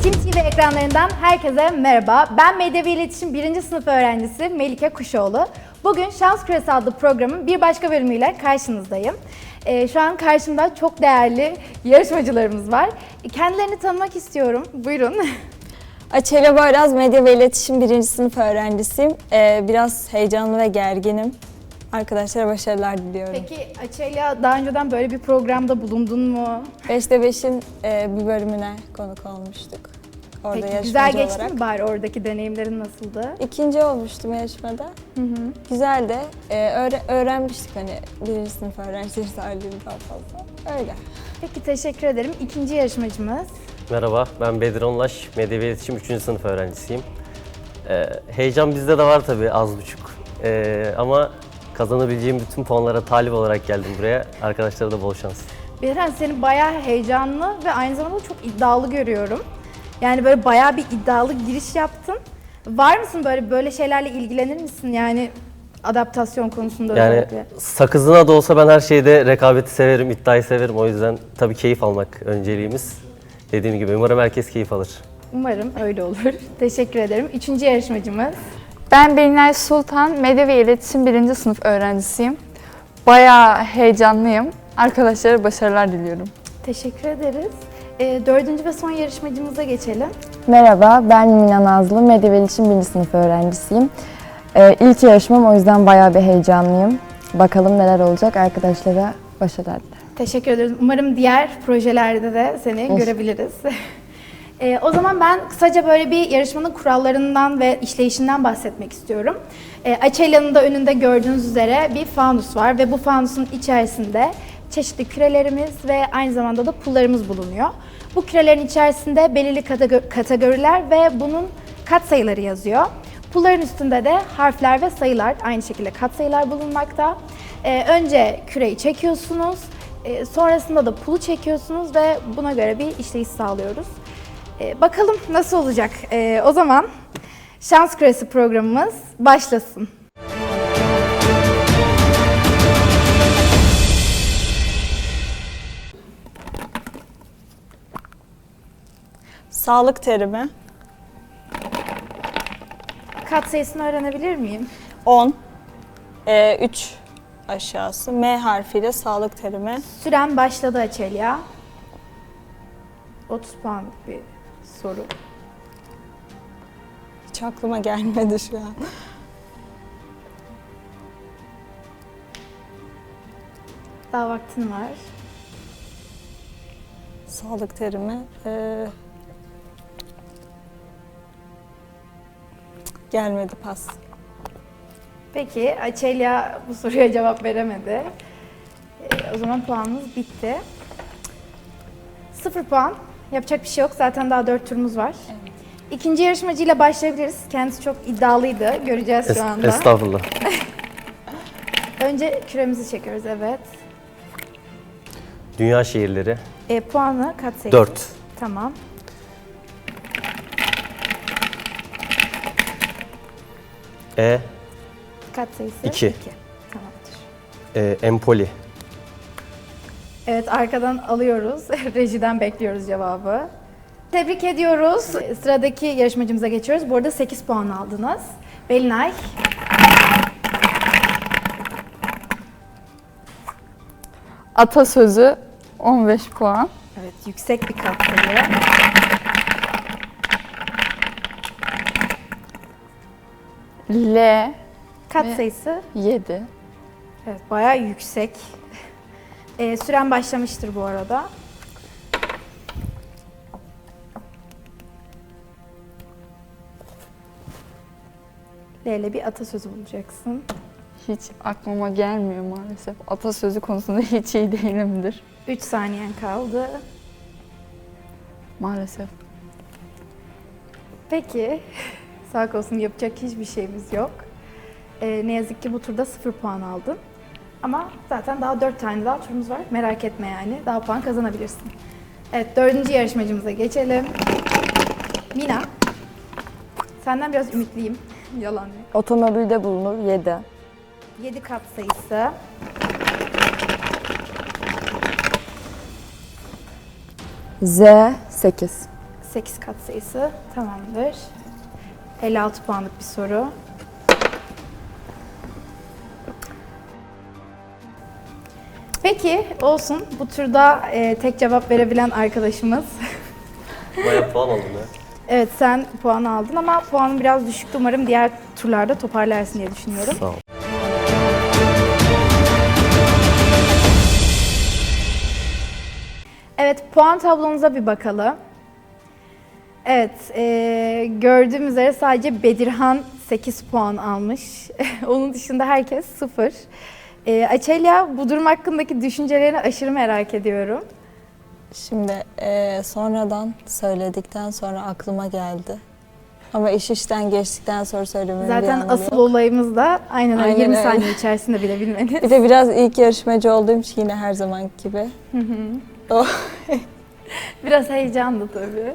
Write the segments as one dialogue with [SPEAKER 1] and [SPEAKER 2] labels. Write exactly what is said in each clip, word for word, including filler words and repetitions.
[SPEAKER 1] Kim T V ekranlarından herkese merhaba. Ben Medya ve İletişim birinci sınıf öğrencisi Melike Kuşoğlu. Bugün Şans Küresi adlı programın bir başka bölümüyle karşınızdayım. Ee, şu an karşımda çok değerli yarışmacılarımız var. Kendilerini tanımak istiyorum. Buyurun.
[SPEAKER 2] Açelya Boyraz, Medya ve İletişim birinci sınıf öğrencisiyim. Ee, biraz heyecanlı ve gerginim. Arkadaşlara başarılar diliyorum.
[SPEAKER 1] Peki Açelya, daha önceden böyle bir programda bulundun mu?
[SPEAKER 2] beşte beşin e, bir bölümüne konuk olmuştuk. Orada
[SPEAKER 1] Peki
[SPEAKER 2] yarışmacı
[SPEAKER 1] güzel geçti
[SPEAKER 2] olarak.
[SPEAKER 1] mi bari, oradaki deneyimlerin nasıldı?
[SPEAKER 2] İkinci olmuştum yarışmada.
[SPEAKER 1] Hı hı.
[SPEAKER 2] Güzeldi. Ee, öğre- öğrenmiştik hani birinci sınıf öğrencileri halini daha fazla. Öyle.
[SPEAKER 1] Peki teşekkür ederim. İkinci yarışmacımız.
[SPEAKER 3] Merhaba, ben Bedir Onlaş, Medya ve İletişim üçüncü sınıf öğrencisiyim. Ee, heyecan bizde de var tabii az buçuk. Ee, ama kazanabileceğim bütün puanlara talip olarak geldim buraya. Arkadaşlara da bol şans.
[SPEAKER 1] Beren, seni bayağı heyecanlı ve aynı zamanda çok iddialı görüyorum. Yani böyle bayağı bir iddialı giriş yaptın. Var mısın böyle böyle şeylerle ilgilenir misin? Yani adaptasyon konusunda
[SPEAKER 3] Yani
[SPEAKER 1] özellikle.
[SPEAKER 3] sakızına da olsa ben her şeyde rekabeti severim, iddiayı severim. O yüzden tabii keyif almak önceliğimiz. Dediğim gibi umarım herkes keyif alır.
[SPEAKER 1] Umarım öyle olur. Teşekkür ederim. Üçüncü yarışmacımız.
[SPEAKER 4] Ben Belinay Sultan, Medya ve İletişim birinci sınıf öğrencisiyim. Bayağı heyecanlıyım. Arkadaşlara başarılar diliyorum.
[SPEAKER 1] Teşekkür ederiz. Ee, dördüncü ve son yarışmacımıza geçelim.
[SPEAKER 5] Merhaba, ben Mina Nazlı, Medya ve İletişim birinci sınıf öğrencisiyim. Ee, ilk yarışmam, o yüzden bayağı bir heyecanlıyım. Bakalım neler olacak, arkadaşlara başarılar dilerim.
[SPEAKER 1] Teşekkür ederiz. Umarım diğer projelerde de seni
[SPEAKER 5] Olur.
[SPEAKER 1] görebiliriz. Ee, o zaman ben kısaca böyle bir yarışmanın kurallarından ve işleyişinden bahsetmek istiyorum. Ee, Açelya'nın da önünde gördüğünüz üzere bir fanus var ve bu fanusun içerisinde çeşitli kürelerimiz ve aynı zamanda da pullarımız bulunuyor. Bu kürelerin içerisinde belirli kategor- kategoriler ve bunun katsayıları yazıyor. Pulların üstünde de harfler ve sayılar, aynı şekilde katsayılar bulunmakta. Ee, önce küreyi çekiyorsunuz, e, sonrasında da pulu çekiyorsunuz ve buna göre bir işleyiş sağlıyoruz. Ee, bakalım nasıl olacak? Ee, o zaman Şans Küresi programımız başlasın.
[SPEAKER 2] Sağlık terimi.
[SPEAKER 1] Katsayısını öğrenebilir miyim?
[SPEAKER 2] on. Ee, üç aşağısı. M harfiyle sağlık terimi.
[SPEAKER 1] Süren başladı Açelya. otuz puanlık bir soru.
[SPEAKER 2] Hiç aklıma gelmedi şu an.
[SPEAKER 1] Daha vaktin var.
[SPEAKER 2] Sağlık terimi. Ee, gelmedi, pas.
[SPEAKER 1] Peki Açelya bu soruya cevap veremedi. Ee, o zaman puanımız bitti. Sıfır puan. Yapacak bir şey yok. Zaten daha dört turumuz var. Evet. İkinci yarışmacıyla başlayabiliriz. Kendisi çok iddialıydı. Göreceğiz şu
[SPEAKER 3] Es-
[SPEAKER 1] anda.
[SPEAKER 3] Estağfurullah.
[SPEAKER 1] Önce küremizi çekiyoruz. Evet.
[SPEAKER 3] Dünya şehirleri.
[SPEAKER 1] E, puanı katsayısı.
[SPEAKER 3] dört.
[SPEAKER 1] Tamam.
[SPEAKER 3] E,
[SPEAKER 1] Katsayısı
[SPEAKER 3] İki.
[SPEAKER 1] iki. Tamamdır.
[SPEAKER 3] e, Empoli.
[SPEAKER 1] Evet, arkadan alıyoruz. Rejiden bekliyoruz cevabı. Tebrik ediyoruz. Sıradaki yarışmacımıza geçiyoruz. Bu arada sekiz puan aldınız. Belinay.
[SPEAKER 4] Atasözü on beş puan.
[SPEAKER 1] Evet, yüksek bir katsayı.
[SPEAKER 4] L
[SPEAKER 1] Katsayısı
[SPEAKER 4] yedi.
[SPEAKER 1] evet, bayağı yüksek. Ee, süren başlamıştır bu arada. L ile bir atasözü bulacaksın.
[SPEAKER 4] Hiç aklıma gelmiyor maalesef. Atasözü konusunda hiç iyi değilimdir.
[SPEAKER 1] üç saniyen kaldı.
[SPEAKER 4] Maalesef.
[SPEAKER 1] Peki, sağ olsun, yapacak hiçbir şeyimiz yok. Ee, ne yazık ki bu turda sıfır puan aldın. Ama zaten daha dört tane daha turumuz var. Merak etme yani, daha puan kazanabilirsin. Evet, dördüncü yarışmacımıza geçelim. Mina, senden biraz ümitliyim. Yalan yok.
[SPEAKER 5] Otomobilde bulunur, yedi.
[SPEAKER 1] yedi kat sayısı.
[SPEAKER 5] Z, sekiz.
[SPEAKER 1] sekiz katsayısı. Tamamdır. elli altı puanlık bir soru. Peki olsun. Bu turda e, tek cevap verebilen arkadaşımız.
[SPEAKER 3] Bayağı puan aldım ya.
[SPEAKER 1] Evet, sen puan aldın ama puanın biraz düşüktü. Umarım diğer turlarda toparlarsın diye düşünüyorum.
[SPEAKER 3] Sağ ol.
[SPEAKER 1] Evet, puan tablonuza bir bakalım. Evet, e, gördüğüm üzere sadece Bedirhan sekiz puan almış. Onun dışında herkes sıfır. E, Açelya, bu durum hakkındaki düşüncelerini aşırı merak ediyorum.
[SPEAKER 2] Şimdi eee, sonradan söyledikten sonra aklıma geldi. Ama iş işten geçtikten sonra söylememin bir
[SPEAKER 1] Zaten
[SPEAKER 2] anlamı
[SPEAKER 1] asıl
[SPEAKER 2] yok.
[SPEAKER 1] olayımız da aynen öyle
[SPEAKER 2] Aynen
[SPEAKER 1] yirmi
[SPEAKER 2] öyle.
[SPEAKER 1] saniye içerisinde bilebilmeniz.
[SPEAKER 2] Bir de biraz ilk yarışmacı olduğum için yine her zamanki gibi. O
[SPEAKER 1] Biraz heyecanlı tabii.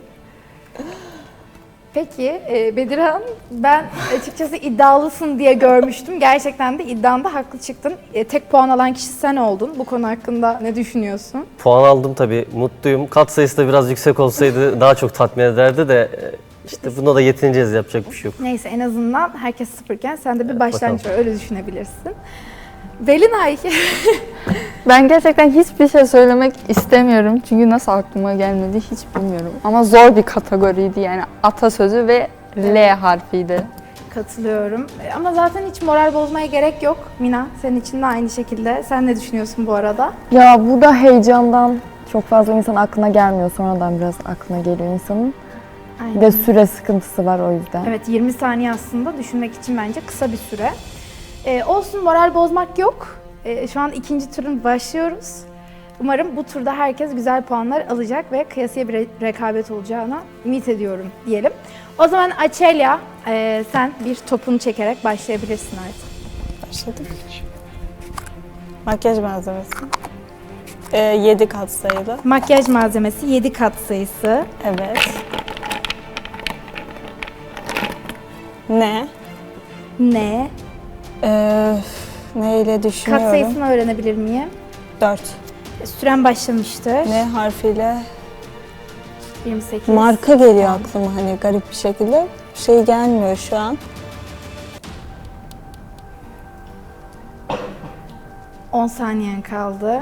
[SPEAKER 1] Peki e, Bedirhan, ben açıkçası iddialısın diye görmüştüm. Gerçekten de iddianda haklı çıktın. E, tek puan alan kişi sen oldun. Bu konu hakkında ne düşünüyorsun?
[SPEAKER 3] Puan aldım tabii, mutluyum. Kat sayısı da biraz yüksek olsaydı daha çok tatmin ederdi de e, işte buna da yetineceğiz, yapacak bir şey yok.
[SPEAKER 1] Neyse, en azından herkes sıfırken sen de bir başlangıç var, öyle düşünebilirsin. Belinay,
[SPEAKER 4] Ben gerçekten hiçbir şey söylemek istemiyorum. Çünkü nasıl aklıma gelmedi hiç bilmiyorum. Ama zor bir kategoriydi yani. Atasözü ve L harfiydi.
[SPEAKER 1] katılıyorum. E, Ama zaten hiç moral bozmaya gerek yok. Mina, senin için de aynı şekilde. Sen ne düşünüyorsun bu arada?
[SPEAKER 5] Ya burada heyecandan çok fazla insan aklına gelmiyor. Sonradan biraz aklına geliyor insanın. Bir de süre sıkıntısı var o yüzden.
[SPEAKER 1] Evet, yirmi saniye aslında düşünmek için bence kısa bir süre. Ee, olsun, moral bozmak yok. Ee, şu an ikinci turun başlıyoruz. Umarım bu turda herkes güzel puanlar alacak ve kıyasıya bir re- rekabet olacağına ümit ediyorum diyelim. O zaman Açelya, e, sen bir topunu çekerek başlayabilirsin artık.
[SPEAKER 2] başladık. Makyaj malzemesi. Ee, yedi kat sayılı.
[SPEAKER 1] Makyaj malzemesi yedi kat sayısı.
[SPEAKER 2] Evet. Ne?
[SPEAKER 1] Ne?
[SPEAKER 2] Ee, neyle
[SPEAKER 1] Kat
[SPEAKER 2] düşünüyorum?
[SPEAKER 1] sayısını öğrenebilir miyim?
[SPEAKER 2] dört.
[SPEAKER 1] Süren başlamıştır.
[SPEAKER 2] Ne harfiyle?
[SPEAKER 1] yirmi sekiz.
[SPEAKER 2] Marka geliyor aklıma hani garip bir şekilde. Şey gelmiyor şu an.
[SPEAKER 1] on saniyen kaldı.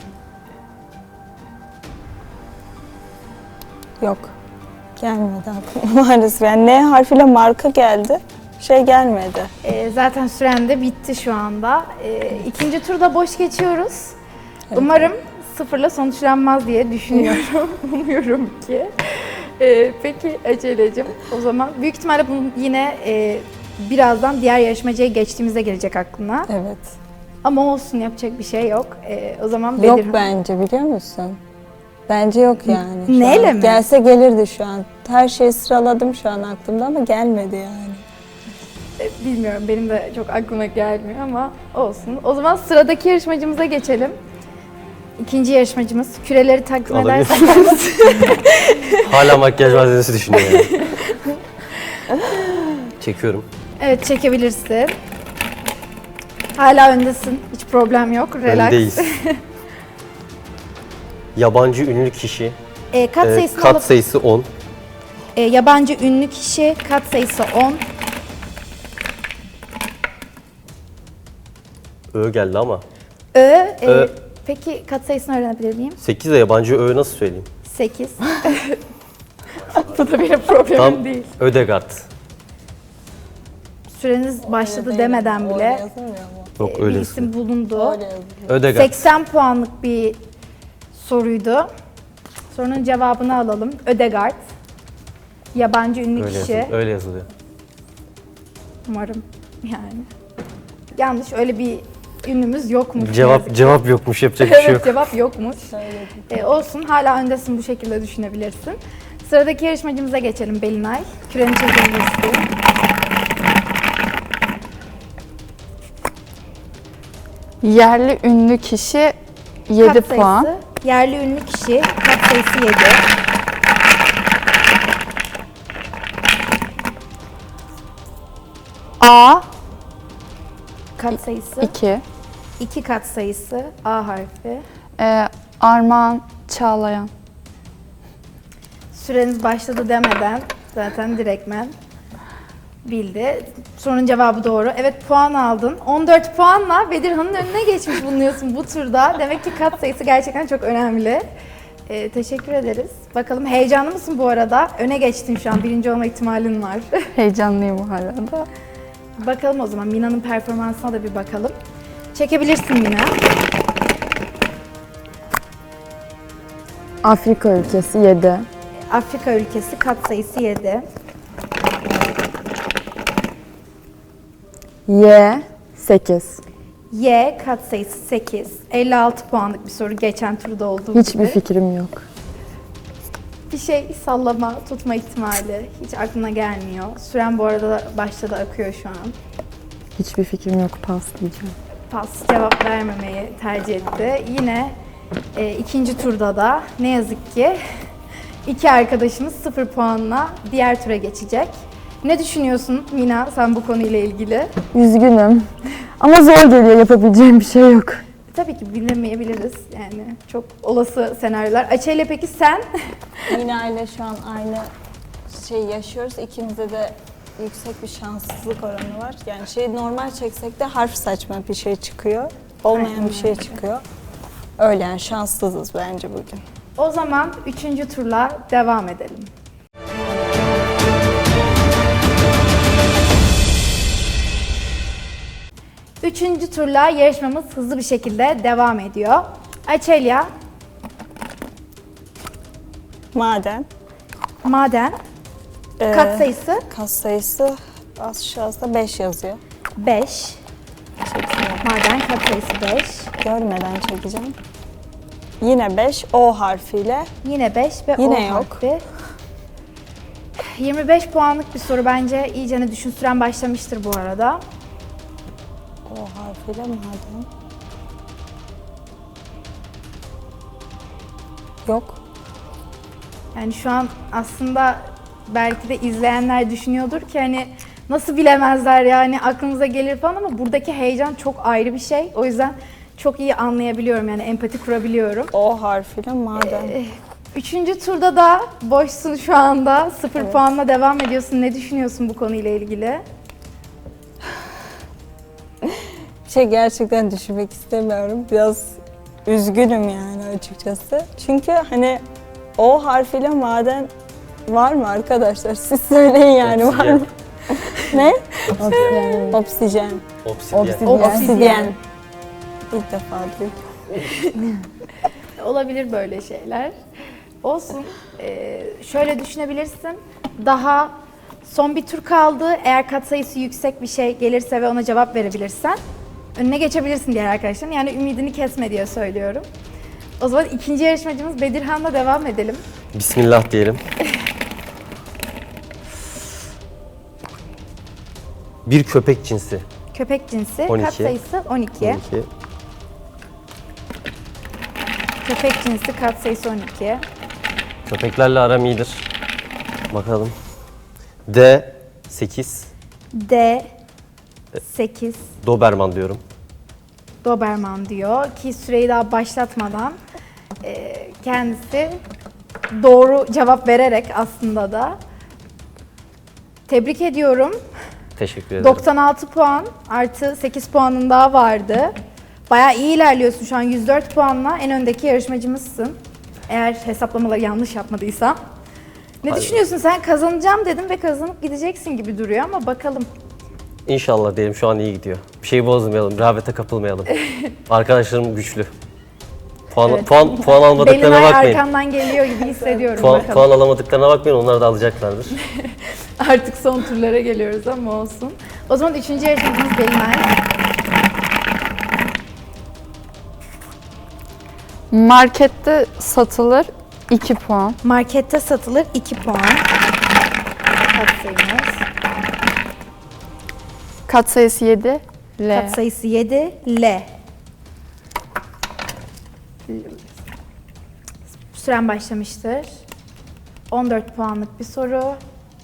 [SPEAKER 2] Yok. Gelmedi aklıma maalesef. Yani N harfiyle marka geldi. Şey gelmedi.
[SPEAKER 1] Ee, zaten süren de bitti şu anda. Ee, ikinci turda boş geçiyoruz.
[SPEAKER 2] Evet.
[SPEAKER 1] Umarım sıfırla sonuçlanmaz diye düşünüyorum. Umuyorum ki. Ee, peki Ece'cim, o zaman büyük ihtimalle bunu yine e, birazdan diğer yarışmacıya geçtiğimizde gelecek aklına.
[SPEAKER 2] Evet.
[SPEAKER 1] Ama olsun, yapacak bir şey yok. Ee, o zaman
[SPEAKER 2] Yok
[SPEAKER 1] Bedirhan.
[SPEAKER 2] bence biliyor musun? Bence yok yani. şu
[SPEAKER 1] Neyle
[SPEAKER 2] an.
[SPEAKER 1] mi?
[SPEAKER 2] Gelse gelirdi şu an. Her şeyi sıraladım şu an aklımda ama gelmedi yani.
[SPEAKER 1] Ee, Bilmiyorum, benim de çok aklıma gelmiyor ama olsun. O zaman sıradaki yarışmacımıza geçelim. İkinci yarışmacımız. Küreleri takdim
[SPEAKER 3] Alabilir
[SPEAKER 1] ederseniz.
[SPEAKER 3] Hala makyaj malzemesi düşünüyor yani. Çekiyorum.
[SPEAKER 1] Evet, çekebilirsin. Hala öndesin. Hiç problem yok. Relax.
[SPEAKER 3] Öndeyiz. Yabancı ünlü kişi.
[SPEAKER 1] Ee, kat
[SPEAKER 3] e,
[SPEAKER 1] sayısını
[SPEAKER 3] kat
[SPEAKER 1] alıp-
[SPEAKER 3] sayısı on.
[SPEAKER 1] Ee, yabancı ünlü kişi, kat sayısı on.
[SPEAKER 3] Ö geldi ama.
[SPEAKER 1] Ö, e,
[SPEAKER 3] Ö.
[SPEAKER 1] peki kat sayısını öğrenebilir miyim?
[SPEAKER 3] sekiz de yabancı Ö nasıl söyleyeyim?
[SPEAKER 1] sekiz. Bu da benim problemim
[SPEAKER 3] Tam
[SPEAKER 1] değil.
[SPEAKER 3] Ödegard.
[SPEAKER 1] Süreniz başladı demeden
[SPEAKER 2] Öyle
[SPEAKER 1] bile
[SPEAKER 2] yazılmıyor mu?
[SPEAKER 3] Yok
[SPEAKER 1] e, bir
[SPEAKER 3] öyle.
[SPEAKER 1] isim bulundu.
[SPEAKER 2] Öyle yazılıyor.
[SPEAKER 3] Ödegard.
[SPEAKER 1] seksen puanlık bir soruydu. Sorunun cevabını alalım. Ödegard. Yabancı ünlü
[SPEAKER 3] Öyle
[SPEAKER 1] kişi.
[SPEAKER 3] yazılıyor. Öyle yazılıyor.
[SPEAKER 1] Umarım yani. Yanlış, öyle bir ünlümüz yokmuş. ne
[SPEAKER 3] Cevap
[SPEAKER 1] yazık ki.
[SPEAKER 3] cevap yokmuş, yapacak bir şey
[SPEAKER 1] Evet,
[SPEAKER 3] yok.
[SPEAKER 1] cevap yokmuş.
[SPEAKER 2] Söyledim.
[SPEAKER 1] Ee, olsun, hala öndesin, bu şekilde düşünebilirsin. Sıradaki yarışmacımıza geçelim Belinay. Küreni çekebilirsin.
[SPEAKER 4] Yerli ünlü kişi yedi
[SPEAKER 1] Kat
[SPEAKER 4] puan.
[SPEAKER 1] sayısı, yerli ünlü kişi, kat sayısı yedi.
[SPEAKER 4] A
[SPEAKER 1] Kat sayısı
[SPEAKER 4] iki.
[SPEAKER 1] iki kat sayısı, A harfi.
[SPEAKER 4] Ee, Armağan Çağlayan.
[SPEAKER 1] Süreniz başladı demeden zaten direktmen bildi. Sorunun cevabı doğru. Evet, puan aldın. on dört puanla Bedirhan'ın önüne geçmiş bulunuyorsun bu turda. Demek ki kat sayısı gerçekten çok önemli. Ee, teşekkür ederiz. Bakalım heyecanlı mısın bu arada? Öne geçtin şu an. Birinci olma ihtimalin var.
[SPEAKER 4] Heyecanlıyım bu arada.
[SPEAKER 1] Bakalım o zaman. Mina'nın performansına da bir bakalım. Çekebilirsin Mina.
[SPEAKER 5] Afrika ülkesi yedi.
[SPEAKER 1] Afrika ülkesi, kat sayısı yedi.
[SPEAKER 5] Y sekiz.
[SPEAKER 1] Y, kat sayısı sekiz. elli altı puanlık bir soru, geçen turda olduğu
[SPEAKER 5] Hiçbir
[SPEAKER 1] gibi.
[SPEAKER 5] fikrim yok.
[SPEAKER 1] Bir şey sallama, tutma ihtimali hiç aklına gelmiyor. Süren bu arada başladı, akıyor şu an.
[SPEAKER 5] Hiçbir fikrim yok. Pas diyeceğim.
[SPEAKER 1] Pas, cevap vermemeyi tercih etti. Yine e, ikinci turda da ne yazık ki iki arkadaşımız sıfır puanla diğer tura geçecek. Ne düşünüyorsun Mina sen bu konuyla ilgili?
[SPEAKER 5] Üzgünüm. Ama zor geliyor. Yapabileceğim bir şey yok.
[SPEAKER 1] Tabii ki bilemeyebiliriz yani çok olası senaryolar. Açe ile peki sen?
[SPEAKER 2] Mina ile şu an aynı şeyi yaşıyoruz. İkimizde de yüksek bir şanssızlık oranı var. Yani şey normal çeksek de harf saçma bir şey çıkıyor. Olmayan bir şey çıkıyor. Öyle yani şanssızız bence bugün.
[SPEAKER 1] O zaman üçüncü turla devam edelim. Üçüncü turla yarışmamız hızlı bir şekilde devam ediyor. Açelya,
[SPEAKER 2] Maden.
[SPEAKER 1] maden,
[SPEAKER 2] Ee,
[SPEAKER 1] kat sayısı
[SPEAKER 2] Kat sayısı aşağıda beş yazıyor.
[SPEAKER 1] beş.
[SPEAKER 2] Çekeyim.
[SPEAKER 1] Maden, kat sayısı beş.
[SPEAKER 2] Görmeden çekeceğim. Yine beş O harfiyle.
[SPEAKER 1] Yine beş ve
[SPEAKER 2] Yine
[SPEAKER 1] O
[SPEAKER 2] yok.
[SPEAKER 1] harfi. yirmi beş puanlık bir soru, bence iyicene düşün, süren başlamıştır bu arada.
[SPEAKER 2] O harfiyle maden. Yok.
[SPEAKER 1] Yani şu an aslında belki de izleyenler düşünüyordur ki hani nasıl bilemezler yani aklımıza gelir falan, ama buradaki heyecan çok ayrı bir şey. O yüzden çok iyi anlayabiliyorum, yani empati kurabiliyorum.
[SPEAKER 2] O harfiyle maden.
[SPEAKER 1] Ee, Üçüncü turda da boşsun şu anda. Sıfır
[SPEAKER 2] Evet.
[SPEAKER 1] puanla devam ediyorsun. Ne düşünüyorsun bu konuyla ilgili?
[SPEAKER 2] Bir şey gerçekten düşünmek istemiyorum. Biraz üzgünüm yani açıkçası. Çünkü hani O harfiyle maden var mı arkadaşlar? Siz söyleyin yani var mı? Ne?
[SPEAKER 5] Oksijen.
[SPEAKER 2] Oksijen.
[SPEAKER 3] Obsidyen.
[SPEAKER 5] Obsidyen.
[SPEAKER 2] Obsidyen. İlk defa duydum.
[SPEAKER 1] Olabilir böyle şeyler. Olsun. Ee, şöyle düşünebilirsin. Daha son bir tur kaldı. Eğer katsayısı yüksek bir şey gelirse ve ona cevap verebilirsen önüne geçebilirsin diğer arkadaşların. Yani ümidini kesme diye söylüyorum. O zaman ikinci yarışmacımız Bedirhan'la devam edelim.
[SPEAKER 3] Bismillah diyelim. Bir köpek cinsi.
[SPEAKER 1] Köpek cinsi,
[SPEAKER 3] on iki.
[SPEAKER 1] kat sayısı on iki.
[SPEAKER 3] on iki.
[SPEAKER 1] Köpek cinsi, kat sayısı on iki.
[SPEAKER 3] Köpeklerle aram iyidir. Bakalım. D sekiz.
[SPEAKER 1] D sekiz.
[SPEAKER 3] Doberman diyorum.
[SPEAKER 1] Doberman diyor ki süreyi daha başlatmadan e, kendisi doğru cevap vererek aslında da tebrik ediyorum.
[SPEAKER 3] Teşekkür ederim.
[SPEAKER 1] doksan altı puan artı sekiz puanın daha vardı. Bayağı iyi ilerliyorsun şu an, yüz dört puanla en öndeki yarışmacımızsın. Eğer hesaplamaları yanlış yapmadıysam. Ne
[SPEAKER 3] Hayır.
[SPEAKER 1] düşünüyorsun sen? Kazanacağım dedim ve kazanıp gideceksin gibi duruyor ama bakalım.
[SPEAKER 3] İnşallah diyelim, şu an iyi gidiyor. Bir şeyi bozmayalım, rehavete kapılmayalım. Arkadaşlarım güçlü. Puan,
[SPEAKER 1] Evet.
[SPEAKER 3] puan, puan almadıklarına
[SPEAKER 1] Belinay
[SPEAKER 3] bakmayın.
[SPEAKER 1] arkamdan geliyor gibi hissediyorum.
[SPEAKER 3] Puan,
[SPEAKER 1] bakalım.
[SPEAKER 3] puan alamadıklarına bakmayın, onlar da alacaklardır.
[SPEAKER 1] Artık son turlara geliyoruz ama olsun. O zaman üçüncü yarışmacımız Belinay.
[SPEAKER 4] Markette satılır iki puan.
[SPEAKER 1] Markette satılır iki puan. Katsayımız.
[SPEAKER 4] Katsayısı yedi. L.
[SPEAKER 1] Katsayısı yedi. L. Süren başlamıştır. on dört puanlık bir soru.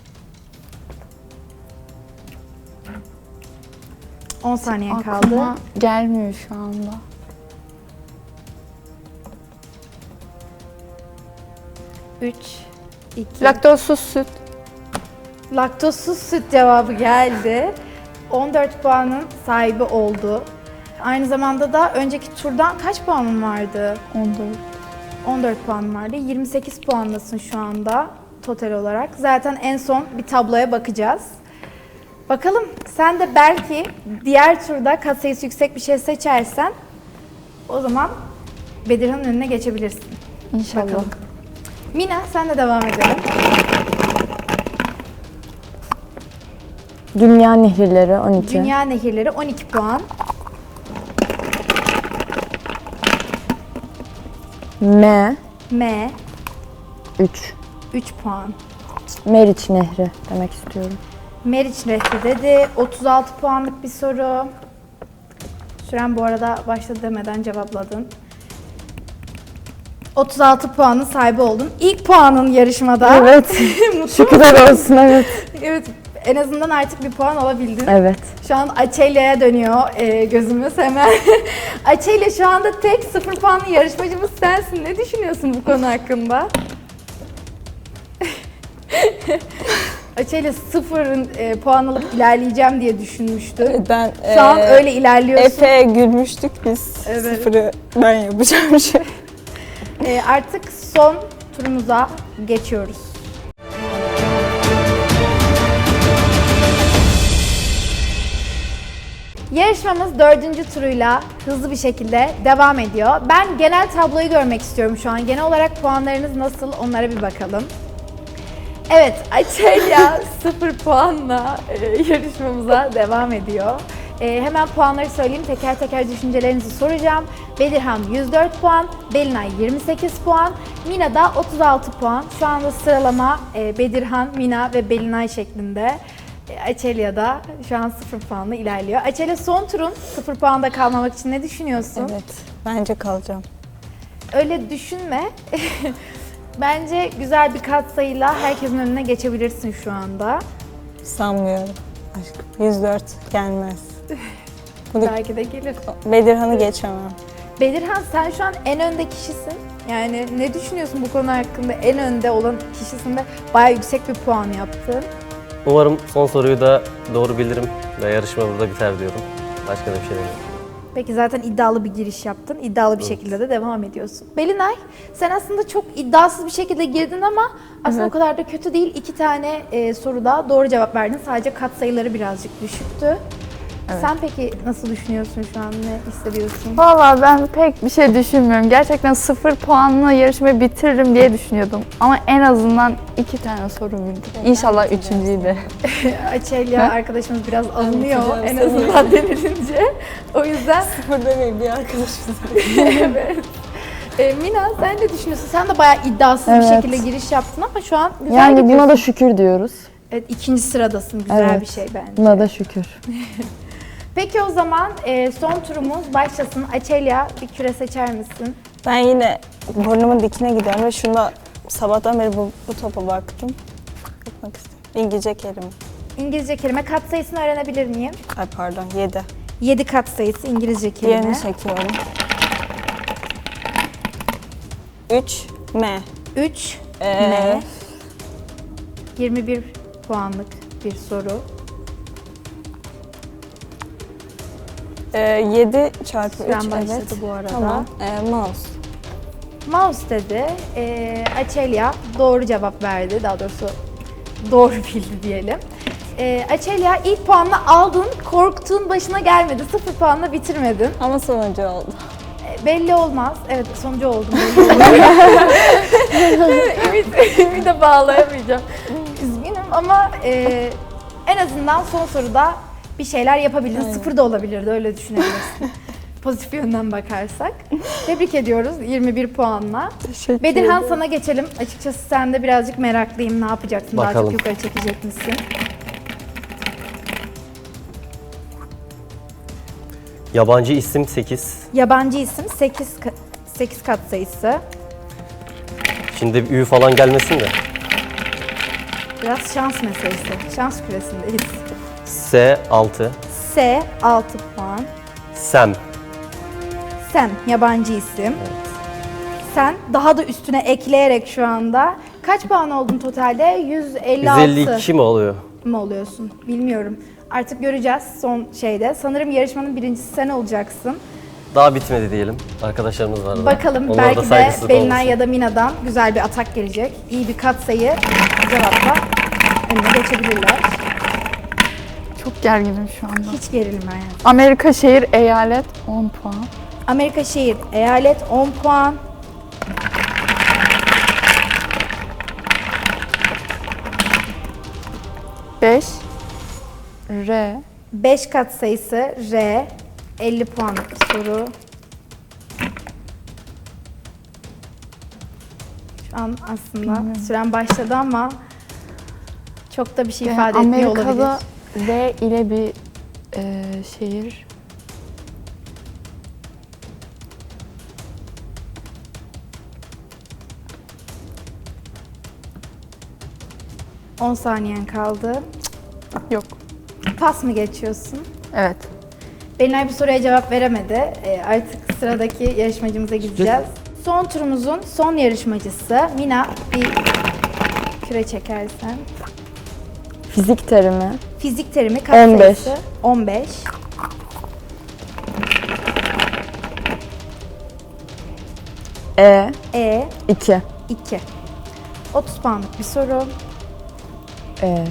[SPEAKER 1] on saniye kaldı.
[SPEAKER 4] Aklıma gelmiyor şu anda.
[SPEAKER 1] üç, iki.
[SPEAKER 4] Laktozsuz süt.
[SPEAKER 1] Laktozsuz süt cevabı geldi. on dört puanın sahibi oldu. Aynı zamanda da önceki turdan kaç puanın vardı?
[SPEAKER 4] on dört.
[SPEAKER 1] on dört puan vardı. yirmi sekiz puandasın şu anda total olarak. Zaten en son bir tabloya bakacağız. Bakalım sen de belki diğer turda katsayısı yüksek bir şey seçersen o zaman Bedirhan'ın önüne geçebilirsin.
[SPEAKER 4] İnşallah.
[SPEAKER 1] Bakalım. Mina sen de devam edelim.
[SPEAKER 5] Dünya nehirleri on iki.
[SPEAKER 1] Dünya nehirleri on iki puan.
[SPEAKER 5] M
[SPEAKER 1] M
[SPEAKER 5] üç.
[SPEAKER 1] üç puan.
[SPEAKER 5] Meriç Nehri demek istiyorum.
[SPEAKER 1] Meriç Nehri dedi. otuz altı puanlık bir soru. Süren bu arada başladı demeden cevapladın. otuz altı puanın sahibi oldun. İlk puanın yarışmada.
[SPEAKER 5] Evet. Şükürler olsun, evet.
[SPEAKER 1] Evet, en azından artık bir puan alabildin.
[SPEAKER 5] Evet.
[SPEAKER 1] Şu an Açelya'ya dönüyor e, gözümüz hemen. Açelya şu anda tek sıfır puanlı yarışmacımız sensin. Ne düşünüyorsun bu konu hakkında? Açelya sıfırın e, puan alıp ilerleyeceğim diye düşünmüştü.
[SPEAKER 2] Ben
[SPEAKER 1] Şu an
[SPEAKER 2] eee,
[SPEAKER 1] öyle ilerliyorsun.
[SPEAKER 2] Efe'ye gülmüştük biz.
[SPEAKER 1] Evet.
[SPEAKER 2] Sıfırı ben yapacağım şey.
[SPEAKER 1] E, artık son turumuza geçiyoruz. Yarışmamız dördüncü turuyla hızlı bir şekilde devam ediyor. Ben genel tabloyu görmek istiyorum şu an. Genel olarak puanlarınız nasıl onlara bir bakalım. Evet, Açelya sıfır puanla e, yarışmamıza devam ediyor. E, hemen puanları söyleyeyim, teker teker düşüncelerinizi soracağım. Bedirhan yüz dört puan, Belinay yirmi sekiz puan, Mina da otuz altı puan. Şu anda sıralama e, Bedirhan, Mina ve Belinay şeklinde. E, Açelya da şu an sıfır puanla ilerliyor. Açelya son turun sıfır puanda kalmamak için ne düşünüyorsun?
[SPEAKER 2] Evet. Bence kalacağım.
[SPEAKER 1] Öyle düşünme. Bence güzel bir katsayıyla herkesin önüne geçebilirsin şu anda.
[SPEAKER 2] Sanmıyorum. Aşkım. yüz dört gelmez. Bunu
[SPEAKER 1] Belki de gelir.
[SPEAKER 2] Bedirhan'ı geçemem.
[SPEAKER 1] Bedirhan sen şu an en önde kişisin. Yani ne düşünüyorsun bu konu hakkında? En önde olan kişisin ve bayağı yüksek bir puan yaptın.
[SPEAKER 3] Umarım son soruyu da doğru bilirim ve yarışma burada biter diyorum. Başka da bir şey demiyorum.
[SPEAKER 1] Peki zaten iddialı bir giriş yaptın. İddialı bir şekilde de devam ediyorsun. Belinay, sen aslında çok iddiasız bir şekilde girdin ama aslında
[SPEAKER 4] Evet.
[SPEAKER 1] o kadar da kötü değil. İki tane e, soruda doğru cevap verdin. Sadece katsayıları birazcık düşüktü. Sen peki nasıl düşünüyorsun şu an? Ne hissediyorsun?
[SPEAKER 4] Valla ben pek bir şey düşünmüyorum. Gerçekten sıfır puanla yarışmayı bitiririm diye düşünüyordum. Ama en azından iki tane soru bildim. İnşallah üçüncüyü de.
[SPEAKER 1] Açelya arkadaşımız biraz alınıyor
[SPEAKER 2] hocam,
[SPEAKER 1] en
[SPEAKER 2] sen
[SPEAKER 1] azından denilince. O yüzden
[SPEAKER 2] Sıfır demeyin, bir arkadaşımız.
[SPEAKER 1] evet. E, Mina sen ne düşünüyorsun? Sen de bayağı iddiasız bir
[SPEAKER 5] Evet.
[SPEAKER 1] şekilde giriş yaptın ama şu an güzel
[SPEAKER 5] Yani
[SPEAKER 1] gidiyorsun.
[SPEAKER 5] buna da şükür diyoruz.
[SPEAKER 1] Evet, ikinci sıradasın. Güzel
[SPEAKER 5] Evet.
[SPEAKER 1] bir şey bence.
[SPEAKER 5] Buna da şükür.
[SPEAKER 1] Peki o zaman e, son turumuz başlasın. Açelya, bir küre seçer misin?
[SPEAKER 2] Ben yine burnumun dikine gidiyorum ve şunda sabahtan beri bu, bu topa baktım. Bakmak istiyorum. İngilizce kelime.
[SPEAKER 1] İngilizce kelime katsayısını öğrenebilir miyim?
[SPEAKER 2] Ay pardon, yedi.
[SPEAKER 1] yedi katsayısı İngilizce kelime.
[SPEAKER 2] Diğerini çekiyorum. üç M.
[SPEAKER 1] üç
[SPEAKER 2] Ee,
[SPEAKER 1] M. yirmi bir puanlık bir soru.
[SPEAKER 2] e, yedi çarpı
[SPEAKER 1] Süren
[SPEAKER 2] üç,
[SPEAKER 1] başladı
[SPEAKER 2] evet.
[SPEAKER 1] bu arada.
[SPEAKER 2] Tamam. E, mouse.
[SPEAKER 1] Mouse dedi. E, Açelya doğru cevap verdi. Daha doğrusu doğru bildi diyelim. E, Açelya ilk puanla aldın. Korktuğun başına gelmedi. Sıfır puanla bitirmedin.
[SPEAKER 2] Ama sonuncu oldu.
[SPEAKER 1] E, belli olmaz. Evet sonucu oldum. Belli olmaz. ümit, ümit de bağlayamayacağım. Üzgünüm ama e, en azından son soruda bir şeyler yapabildin.
[SPEAKER 2] Aynen.
[SPEAKER 1] Sıfır da olabilirdi. Öyle düşünebilirsin. Pozitif yönden bakarsak. Tebrik ediyoruz yirmi bir puanla.
[SPEAKER 2] Teşekkür
[SPEAKER 1] Bedirhan sana geçelim. Açıkçası sen de birazcık meraklıyım. Ne yapacaksın? Daha
[SPEAKER 3] Bakalım.
[SPEAKER 1] çok yukarı çekecek misin?
[SPEAKER 3] Yabancı isim sekiz.
[SPEAKER 1] Yabancı isim sekiz, sekiz kat sayısı.
[SPEAKER 3] Şimdi bir ü falan gelmesin de.
[SPEAKER 1] Biraz şans meselesi. Şans küresindeyiz.
[SPEAKER 3] S altı.
[SPEAKER 1] S altı puan.
[SPEAKER 3] Sem.
[SPEAKER 1] Sen yabancı isim. Sen daha da üstüne ekleyerek şu anda Kaç puan oldun totalde? yüz elli altı
[SPEAKER 3] yüz elli iki mi oluyor?
[SPEAKER 1] mı oluyorsun? Bilmiyorum. Artık göreceğiz son şeyde. Sanırım yarışmanın birincisi sen olacaksın.
[SPEAKER 3] Daha bitmedi diyelim. Arkadaşlarımız var. da.
[SPEAKER 1] Bakalım
[SPEAKER 3] Onlara da
[SPEAKER 1] belki de
[SPEAKER 3] saygısızlık
[SPEAKER 1] Belinay
[SPEAKER 3] olmasın.
[SPEAKER 1] ya da Mina'dan güzel bir atak gelecek. İyi bir katsayı cevapla önüne geçebilirler.
[SPEAKER 4] Çok gerginim şu anda.
[SPEAKER 1] Hiç gerilme yani.
[SPEAKER 4] Amerika şehir eyalet on puan.
[SPEAKER 1] Amerika şehir, eyalet on puan.
[SPEAKER 4] beş. R.
[SPEAKER 1] beş katsayısı R, elli puanlık bir soru. Şu an aslında süren başladı ama çok da bir şey ifade
[SPEAKER 4] Yani
[SPEAKER 1] etmiyor olabilir.
[SPEAKER 4] Amerika'da R ile bir e, şehir.
[SPEAKER 1] on saniyen kaldı.
[SPEAKER 4] Yok.
[SPEAKER 1] Pas mı geçiyorsun?
[SPEAKER 4] Evet.
[SPEAKER 1] Belinay bu soruya cevap veremedi. Ee, artık sıradaki yarışmacımıza gideceğiz. Son turumuzun son yarışmacısı Mina. Bir küre çekersen.
[SPEAKER 5] Fizik terimi.
[SPEAKER 1] Fizik terimi kaç
[SPEAKER 5] on beş.
[SPEAKER 1] sayısı? on beş.
[SPEAKER 5] E.
[SPEAKER 1] E,
[SPEAKER 5] iki.
[SPEAKER 1] iki. otuz puanlık bir soru.
[SPEAKER 5] E.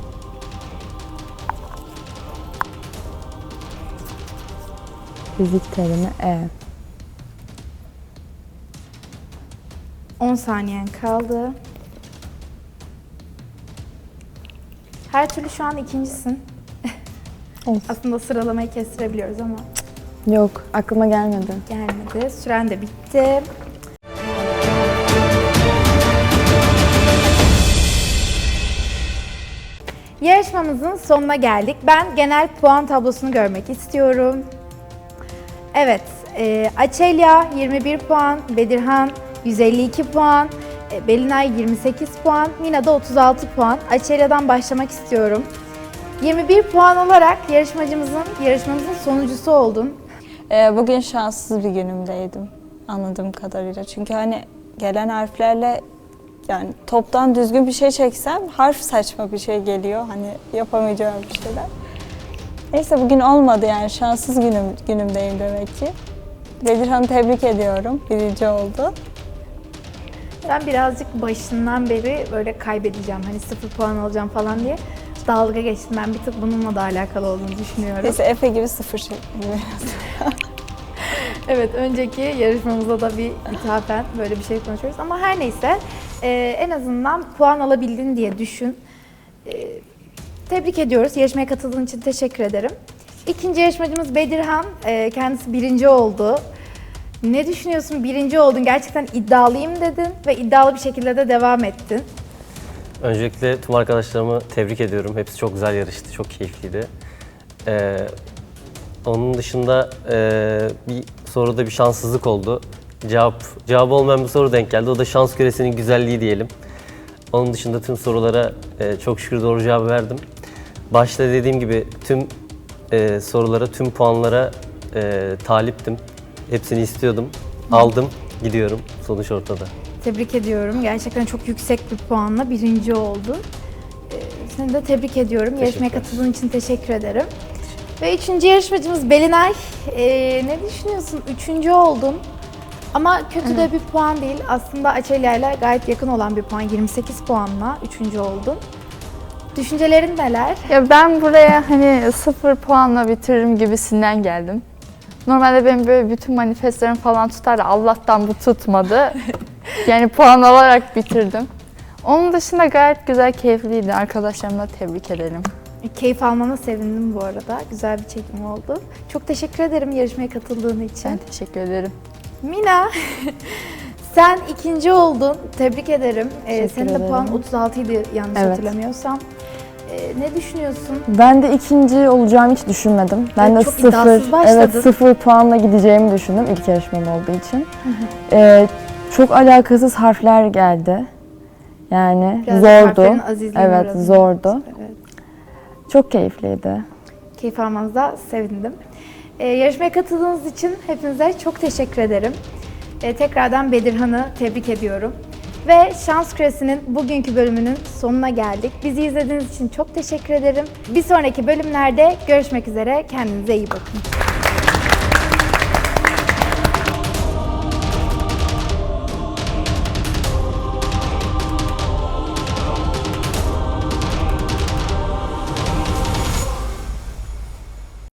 [SPEAKER 5] Fizik terimi E.
[SPEAKER 1] on saniyen kaldı. Her türlü şu an ikincisin.
[SPEAKER 5] Olsun.
[SPEAKER 1] Aslında sıralamayı kestirebiliyoruz ama
[SPEAKER 5] Yok, aklıma gelmedi.
[SPEAKER 1] gelmedi. Süren de bitti. Yarışmamızın sonuna geldik. Ben genel puan tablosunu görmek istiyorum. Evet, e, Açelya yirmi bir puan, Bedirhan yüz elli iki puan, e, Belinay yirmi sekiz puan, Mina da otuz altı puan. Açelya'dan başlamak istiyorum. yirmi bir puan olarak yarışmacımızın, yarışmamızın sonuncusu oldun.
[SPEAKER 2] Ee, bugün şanssız bir günümdeydim anladığım kadarıyla. Çünkü hani gelen harflerle yani toptan düzgün bir şey çeksem harf saçma bir şey geliyor. Hani yapamayacağım bir şeyler. Neyse bugün olmadı yani şanssız günüm, günümdeyim demek ki. Bedirhan'ı tebrik ediyorum. Birinci oldu.
[SPEAKER 1] Ben birazcık başından beri böyle kaybedeceğim, hani sıfır puan alacağım falan diye dalga geçtim. Ben bir tık bununla da alakalı olduğunu düşünüyorum.
[SPEAKER 2] Neyse Efe gibi sıfır çektim.
[SPEAKER 1] Evet, önceki yarışmamızda da bir ithafen böyle bir şey konuşuyoruz ama her neyse e, en azından puan alabildin diye düşün. E, tebrik ediyoruz. Yarışmaya katıldığın için teşekkür ederim. İkinci yarışmacımız Bedirhan. E, kendisi birinci oldu. Ne düşünüyorsun? Birinci oldun. Gerçekten iddialıyım dedin ve iddialı bir şekilde de devam ettin.
[SPEAKER 3] Öncelikle tüm arkadaşlarımı tebrik ediyorum. Hepsi çok güzel yarıştı, çok keyifliydi. Ee, onun dışında e, bir soruda bir şanssızlık oldu. Cevap cevabı olmayan bir soru denk geldi. O da şans küresinin güzelliği diyelim. Onun dışında tüm sorulara e, çok şükür doğru cevabı verdim. Başta dediğim gibi tüm e, sorulara, tüm puanlara e, taliptim. Hepsini istiyordum. Aldım, gidiyorum. Sonuç ortada.
[SPEAKER 1] Tebrik ediyorum. Gerçekten çok yüksek bir puanla birinci oldun. Ee, seni de tebrik ediyorum. Yarışmaya
[SPEAKER 3] Teşekkürler.
[SPEAKER 1] katıldığın için teşekkür ederim. Ve üçüncü yarışmacımız Belinay. Ee, ne düşünüyorsun? Üçüncü oldun. Ama kötü de bir puan değil. Aslında Açelya ile gayet yakın olan bir puan. yirmi sekiz puanla üçüncü oldun. Düşüncelerin neler?
[SPEAKER 4] Ya ben buraya hani sıfır puanla bitiririm gibisinden geldim. Normalde benim böyle bütün manifestlerim falan tutar da Allah'tan bu tutmadı. Yani puan alarak bitirdim. Onun dışında gayet güzel, keyifliydi. Arkadaşlarımla tebrik ederim.
[SPEAKER 1] Keyif almana sevindim bu arada. Güzel bir çekim oldu. Çok teşekkür ederim yarışmaya katıldığın için.
[SPEAKER 4] Ben teşekkür ederim.
[SPEAKER 1] Mina, sen ikinci oldun. Tebrik ederim. Ee,
[SPEAKER 5] Teşekkür
[SPEAKER 1] senin de
[SPEAKER 5] ederim.
[SPEAKER 1] puan otuz altı idi yanlış
[SPEAKER 5] Evet.
[SPEAKER 1] hatırlamıyorsam. Ee, ne düşünüyorsun?
[SPEAKER 5] Ben de ikinci olacağımı hiç düşünmedim. Ben
[SPEAKER 1] Evet,
[SPEAKER 5] de
[SPEAKER 1] çok
[SPEAKER 5] sıfır,
[SPEAKER 1] iddiasız başladın.
[SPEAKER 5] evet sıfır puanla gideceğimi düşündüm ilk yarışmam olduğu için. Ee, çok alakasız harfler geldi. Yani
[SPEAKER 1] Biraz
[SPEAKER 5] zordu.
[SPEAKER 1] harflerin azizliğine
[SPEAKER 5] Evet,
[SPEAKER 1] uğradın.
[SPEAKER 5] zordu.
[SPEAKER 1] Evet.
[SPEAKER 5] Çok keyifliydi.
[SPEAKER 1] Keyif almanıza sevindim. Ee, yarışmaya katıldığınız için hepinize çok teşekkür ederim. Ee, tekrardan Bedirhan'ı tebrik ediyorum. Ve Şans Küresi'nin bugünkü bölümünün sonuna geldik. Bizi izlediğiniz için çok teşekkür ederim. Bir sonraki bölümlerde görüşmek üzere. Kendinize iyi bakın.